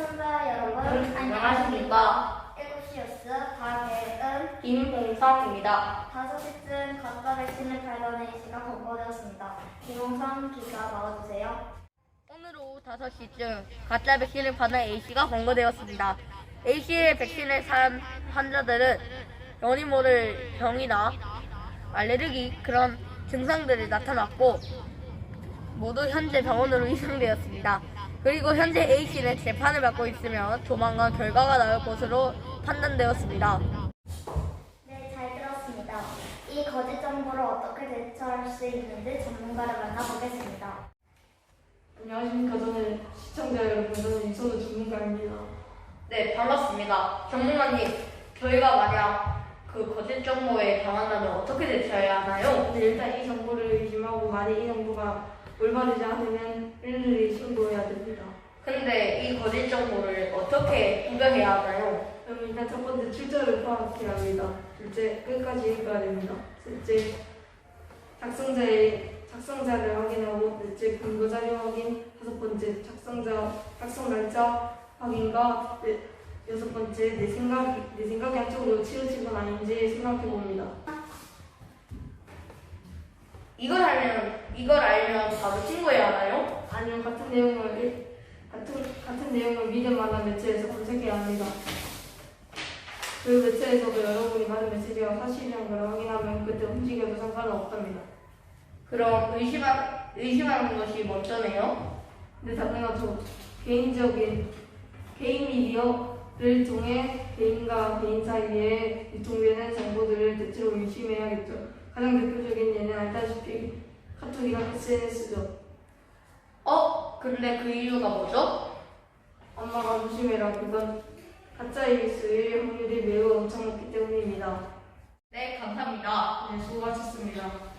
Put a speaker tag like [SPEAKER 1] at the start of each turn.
[SPEAKER 1] 시청자 여러분,
[SPEAKER 2] 안녕하십니까.
[SPEAKER 1] 7시 뉴스 박예은,
[SPEAKER 2] 김봉성입니다.
[SPEAKER 1] 5시쯤 가짜 백신을 발견한 A씨가 검거되었습니다. 김홍성 기자 나와주세요.
[SPEAKER 2] 오늘 오후 5시쯤 가짜 백신을 받은 A씨가 검거되었습니다. A씨의 백신을 산 환자들은 연이 모를 병이나 알레르기 그런 증상들이 나타났고 모두 현재 병원으로 이송되었습니다. 그리고 현재 A씨는 재판을 받고 있으며 조만간 결과가 나올 것으로 판단되었습니다.
[SPEAKER 1] 네, 잘 들었습니다. 이 거짓 정보를 어떻게 대처할 수 있는지 전문가를 만나보겠습니다.
[SPEAKER 3] 안녕하십니까. 저는 시청자 여러분, 저는 이선우 전문가입니다.
[SPEAKER 2] 네, 반갑습니다. 전문가님, 저희가 만약 그 거짓 정보에 당한다면 어떻게 대처해야 하나요?
[SPEAKER 3] 근데 일단 이 정보를 의심하고 만약 이 정보가 올바르지 않으면 일일이 신고해야 됩니다.
[SPEAKER 2] 근데 이 거짓 정보를 어떻게 구별해야 하나요?
[SPEAKER 3] 그럼 일단 첫 번째 출처를 파악해야 합니다. 둘째, 끝까지 읽어야 됩니다. 셋째, 작성자를 확인하고, 넷째, 근거 자료 확인, 다섯 번째, 작성 날짜 확인과 여섯 번째, 내 생각이 한쪽으로 치우친 건 아닌지 생각해 봅니다.
[SPEAKER 2] 이걸 알면 바로 신고해야 하나요?
[SPEAKER 3] 아니면 같은 내용을 믿을 만한 매체에서 검색해야 합니다. 그 매체에서도 여러분이 받은 메시지가 사실이란 걸 확인하면 그때 움직여도 상관은 없답니다.
[SPEAKER 2] 그럼 의심하는 것이 먼저네요?
[SPEAKER 3] 근데 당연하죠. 개인 미디어를 통해 개인과 개인 사이에 유통되는 정보들을 대체로 의심해야겠죠. 가장 대표적인 예는 알다시피 카톡이랑 SNS죠.
[SPEAKER 2] 근데 그 이유가 뭐죠?
[SPEAKER 3] 엄마가 조심해라. 그건 가짜일 확률이 매우 엄청 높기 때문입니다.
[SPEAKER 2] 네, 감사합니다.
[SPEAKER 3] 네, 수고하셨습니다.